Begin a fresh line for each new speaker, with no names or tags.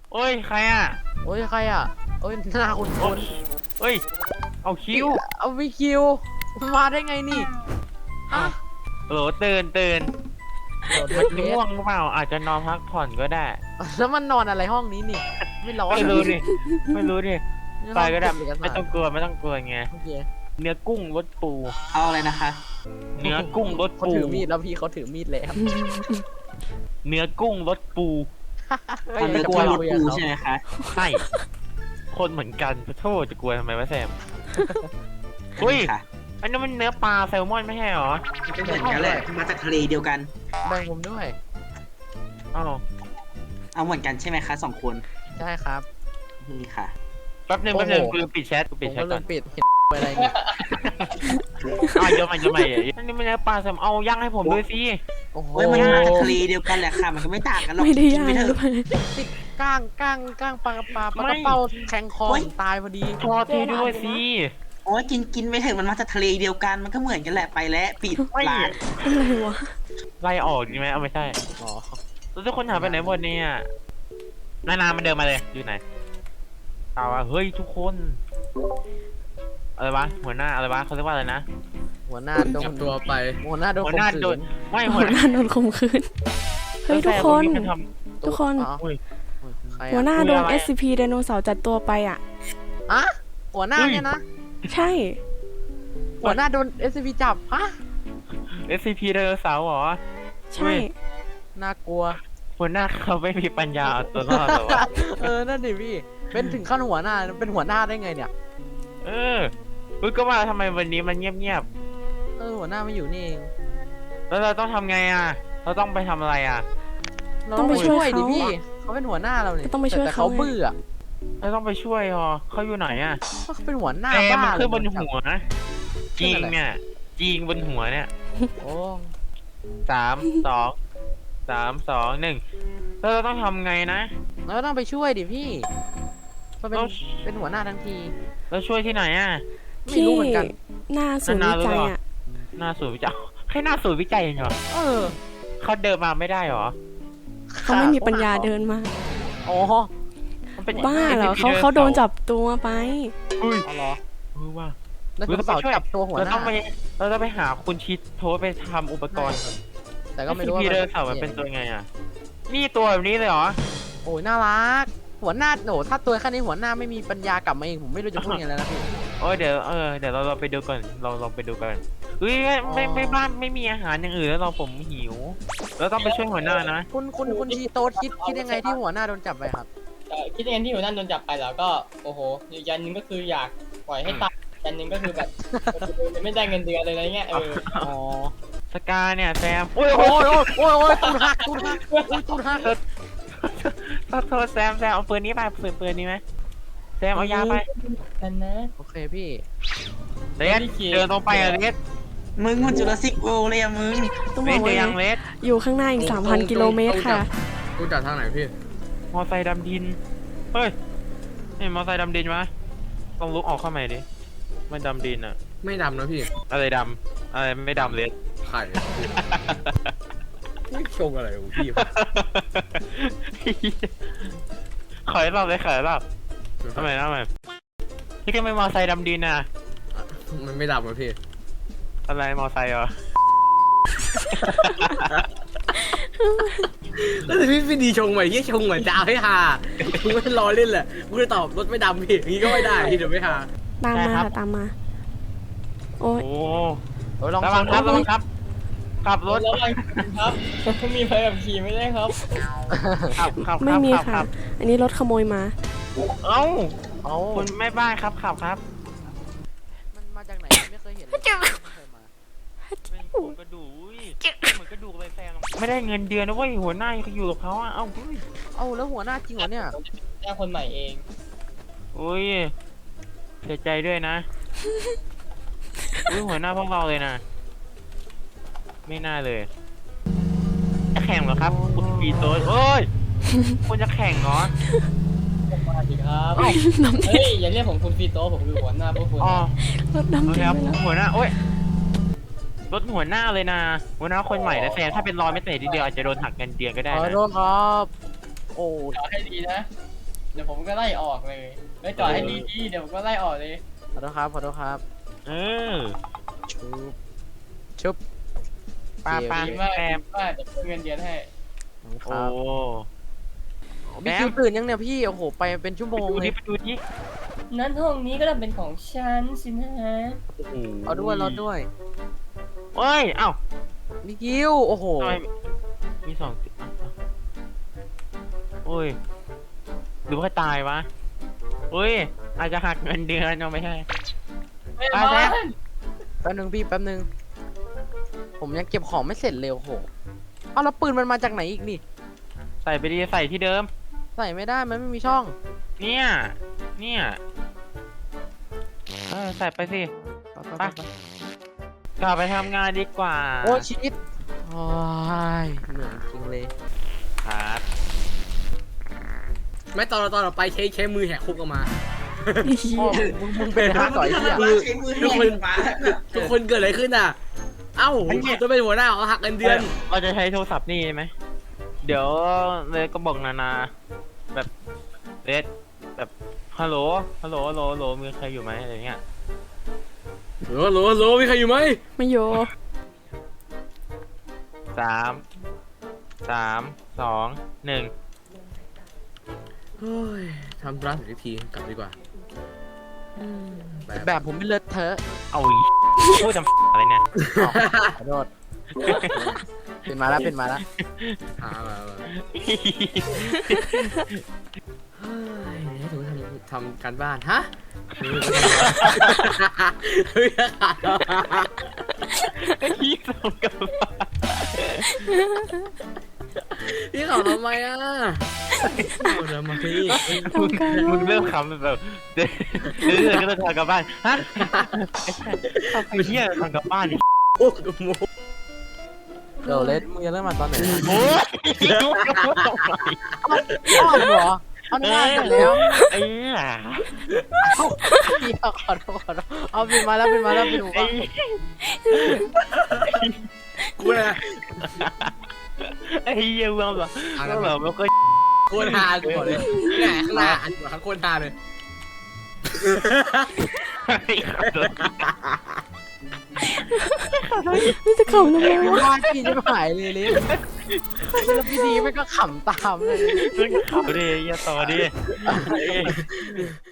โอ้ยใครอ่ะ
โอ้ยใครอ่ะโอ้ยหน้าคุณคุณ
เฮ้ยเอาคิว
เอาวิคิวมาได้ไงนี่ฮะ
โหลตื่นมันง่วงหรือเปล่าอาจจะนอนพักผ่อนก็ได้
แล้วมันนอนอะไรห้องนี้นี่ไม่ร้อน
ไม่รู้ดิไปก็ได้ไม่ต้องกลัวไง
โอเค
เนื้อกุ้งรสปู
เอาอะไรนะคะ
เนื้อกุ้งรส
เขา
ปู
ถือมีดแล้วพี่เขาถือมีดแล้ว
เนื้อกุ้งรสปู
อันนี้กลัวรถปูใช่ไหมคะ
ใช่คนเหมือนกันโทษจะกลัวทำไมวะแซมอุ้ย
ค่ะ
อันนั้นมันเนื้อปลาแซลมอนไม่ใช่หรอ
ก็เหมือนกันแหละมาจากทะเลเดียวกัน
แบ่งผมด้วย
อ้าว
เอาเหมือนกันใช่ไหมคะ2 คน
ใช่ครับ
นี่ค่ะ
แป๊บนึง
โอ้โห
กูปิดแชท
ผม
ก่
ก็เล
อน
ยปิดเห็นอะไรเนี่ย
อ้าวเดี๋ยวใหม่อันนี้มันเนื้อปลาแซลมอนเอาย่างให้ผมด้วยสิ
โอ้โห
เฮ้ยมันมาจากทะเลเดียวกันแหละค่ะ มันก็ไม่ต่างกันหรอก
ไม่ได้
กิ
ยาน
ไปเถ
หรือ
อะ
เปล่า
ติดก้างปลากระเป้าแข็งคอผมตายพอดี
พอทีด้วยสิ
โอ้ยกินไปเถอะมันมาจากทะเลเดียวกัน มันก็เหมือนกันแหละไปแล้วปิดร้าน
อะไรวะ
ไล่ออกดีไหมเอาไม่ใช่
อ๋อ
แล้วทุกคนหายไปไหนหมดเนี่ยนามันเดินมาเลยอยู่ไหนเอาวะเฮ้ยทุกคนอะไรวะหัวหน้าอะไรวะเขาเรียกว่าอะไรนะ
หัวหน้าโดน
จับตัวไป
หัวหน้าโดน
หัวหน้า
ข่มขื
โดนไม่
หั
หั
ว
ว
หน้าโดนข่มขืนเฮ้ยทุกคน
มันท
ทุกคน
อ๋อ
ำอุ้ย
ใครอะ
หัวหน้าโดน
คุยอะไรอะ
SCP ไดโนเสาร์จัดตัวไปอ่ะ
อะหัวหน้าเนี่ยนะ
ใช่
หัวหน้าโดน SCP จับฮะ
SCP ไดโนเสาร์เหรอ
ใช่
น่ากลัว
หัวหน้าเขาไม่มีปัญญาเอาตัวรอดหรอวะ
นั่นดิพี่ เป็นถึงขั้นหัวหน้า เป็นหัวหน้าได้ไงเนี่ย
เอออุ้ยก็ว่าทำไมวันนี้มันเงียบ
หัวหน้าไม่อยู่นี่เอง
ๆแล้วเราต้องทำไงอ่ะเราต้องไปทำอะไรอ่ะ
เราต้องไปช่วยดิพี่ เขาเป็นหัวหน้าเราเนี่ย
ต้องไปช่วย
แต่
เขา
เขาเบื่อ
เราต้องไปช่วยเหรอเขาอยู่ไหนอ่ะ
เขาเป็นหัวหน้า
แต่
บ้า
มันขึ้นบน
เลย
หัวนะจริงเนี่ยจริงบนหัวเนี่ย
โอ้
3 2 1แล้วเราต้องทำไงนะ
แล้วก็ต้องไปช่วยดิพี่เขาเป็น
เรา
เป็นหัวหน้าทั้งที
เราช่วยที่ไหนอ่ะ
ไม่
ที่
รู้เหมือนกัน
หน้าศูนย์วิจัยอ่ะ
หน้าศูนย์วิจัยแค่หน้าศูนย์วิจัยเองเหรอ
เออ
เขาเดินมาไม่ได้เหรอ
เขาไม่มีปัญญาเดินมา
อ๋อ
มันเป็น
บ้าเหรอ
SCP
เขาโดนจับตัวไป
อุ้ย
เอาเหรอ
ว่า
แล้วคุณเสาจับตัวหัว
เรา
หน้า
ต้องไปหาคุณชิดโทรไปทำอุปกรณ์
แต่ก็ไม่รู้ว่า
SCP ไดโนเสาร์มันเป็นตัวไงอ่ะนี่ตัวแบบนี้เลยเหรอ
โอ้ยน่ารัก หัวหน้าโหถ้าตัวแค่นี้หัวหน้าไม่มีปัญญากลับมาเองผมไม่รู้จะพูดยังไงแล้วนะพี่
โอ้ยเดี๋ยวเราไปดูก่อนเราไปดูกันเฮ้ยไม่บ้านไม่มีอาหารอย่างอื่นแล้วผมหิวเราต้องไปช่วยหัวหน้านะ
คุณชีโตสคิดยังไงที่หัวหน้าโดนจับไปครับ
คิดยังไงที่หัวหน้าโดนจับไปแล้วก็โอ้โหอีกยันหนึงก็คืออยากปล่อยให้ตายยันหนึงก็คือแบบไม่ได้เงินเดือนเลยอะไรเงี้ย
อ๋อ
สกาเนี่ยแซมโอ้ย
โอ้
โอ้ย
ยตูดหักตูดหัก
โทษแซมเอาปืนนี้ไปปืนนี้ไหมแซมเอายาไป
นั่นนะ
โอเคพี่
เลสเดินตรงไปอะเลส
มึงมันจุลศิษย์เวิลด์เลยอะมึง
ต้อง
เล
บอ
ส
ก
เจอ
ว่า
ยังเลส
อยู่ข้างหน้าอีก 3,000 กิโลเมตรค่ะ
กูจับทางไหนพี่
มอไซค์ดำดินเฮ้ยนี่มอไซค์ดำดินวะต้องลุกออกเข้าใหม่ดิมันดำดินอะ
ไม่ดำนะพี่
อะไรดำอะไรไม่ดำเลส
ไข่ไม่ชงอะไรของพี่
ขอยรอบเลยขอยรอบทำไมพี่ก็ไม่มอไซค์ดำดินอะ
มันไม่ดำนะพี่
อะไรมอไซค์เหรอ
แล้วแต่พี่ดีชงใหม่ที่ชงเหมือนจะเอาให้ฮากูไม่รอเล่นแหละกูจะตอบรถไม่ดำพี่อย่างนี้ก็ไม่ได้พี่เดี๋ยวไม่ฮา
ตามมาค่ะตามมา โอ้ย
โอ้
ลอง
ระวังครับระวังครับขับรถ
ระวังครับมีใบขับขี่ไม่ได้ครับ
ขับ
ไม่มี
ขั
ค่ะ
บ
อันนี้รถขโมยมา
เอ้า
เอา
คุณแม่บ้านครับขับครับ
มันมาจากไหนไม่เคยเห็นเลยไม่เคยมา
เป็นโครงกระดูกอุ้ยเหมือนกระดูกเลยแซมไม่ได้เงินเดือนนะเว้ยหัวหน้าอยู่กับเขาอะเอ้าเฮ้ย
เอาแล้วหัวหน้าจริงเหรอเนี่ย
แจ้งคนใหม่เอง
อุ้ยเสียใจด้วยนะอุ้ยหัวหน้าพวกเราเลยนะไม่น่าเลยจะแข่งเหรอครับคุณปีโต้โอ้ยคุณจะแข่งเหรอ
มาสิครับ
น้ำ
เฮ้ยอย่าเรียกผมคุณฟีโต้ผมคือหัวหน้าพวกคุณ
อ๋อ
รถดำ
โอเค
จริง
ครับ
ไปแล้ว
หัวหน้าโอ้ยรถหัวหน้าเลยนะหัวหน้าคนใหม่นะแซมถ้าเป็นรอยไม่เตะทีเดียวอาจจะโดนหักเงินเดือนก็ได้
ขอ
นะ
โทษครับ โอ้
เอาให้ดีนะเดี๋ยวผมก็ไล่ออกเลยไม่จอดให้ดีๆเดี๋ยวผมก็ไล่ออกเลย
ขอโทษครับขอโทษครับ
เออ
ชุบชุบ
ปาปา
ดีมาก
แอ
ดี
ม
มากจะเพิ่มเงินเดือนให้
ค
โอ้
รับพี่คิวตื่นยังเนี่ยพี่โอ้โหไปเป็นชั่วโมง
ดู
เล
ดิ
ย
ไปดูดิ
นั้นห้องนี้ก็ต้องเป็นของฉันสินะ
โอ้โห
เอาด้วยรอด้วย
เฮ้ยเอ้า
พี่คิวโอ้โห
ทำไมมีสองติดอ่ะอ่ะโอ้ยหรือว่าตายวะเฮ้ยอาจจะหักเงินเดือนเอาไม่ใช่
ไม่
ไป
มา
แล้ว
แป๊บนึงพี่แป๊บนึงผมยังเก็บของไม่เสร็จเลยโอ้โหเอาแล้วปืนมันมาจากไหนอีกนี่
ใส่ไปดีใส่ที่เดิม
ใส่ไม่ได้มันไม่มีช่อง
เนี่ยใส่ไปสิ
ไป
กลับไปทำงานดีกว่า
โอ้ชีวิตโอ้ยเหนื่อยจริงเลย
ครับ
ไม่ตอนเราไปใช้มือแหกคุกออกมา
พ่อมึงเป็นฮาก่อยที่อ่ะ
ใช้มือแห้งมา
ทุกคนเกิดอะไรขึ้นอ่ะ เอ้าจะเป็นหัวหน้าเขาหักเงินเดือน
เราจะใช้โทรศัพท์นี่ไหมเดี๋ยวเลยก็บอกนาแบบเลสแบบฮัลโหลมีใครอยู่ไหมอะไรเงี้ย
โหลมีใครอยู่ไหม
ไม่โย
3 2 1
เฮ้ยทำร้านเสร็จที กลับดีกว่าไป
แบบผมไม่เลอะเทอะ
เอาอีพูดจำอะไรเนี่ย
อ๋อขอโทษเป็นมาแล้ว
มาเฮ้ยถึงทำการบ้าน ฮะเฮ้ยขาดแล้ว
พี่ส่งกลับบ้าน
พี่เขาทำไมอ่ะทำไมพี่
มึงเริ่มขำแบบเดี๋ยวก็จะทำกลับบ้านฮะไอ้เหี้ยทำกลับบ้านดิ
โอ้โห
เดี๋ยวเลสมึงจะเริ่มมาตอนไหน
โอ้ย
อ้าวเหรอเอาหน้ากันแล้ว
ไอ้เหี้ย
พี่ขอโทษเอาเป็นมาแล้วเป็นมาดู
ไอ้
กูนะ
ไอ้เหี้ยเมืองแบบไม่ค่อย
โคตรฮากูบอกเลยแหน่ข้างหน้าอันหัวข้างโคตรฮาเลย
ไม่จะเข่าทำไมวะ
ว่าพี่จะหายเลยเลสแล้วพี่ดีไม่ก็ขำตามเลย
ขับดิอย่าต่อดิ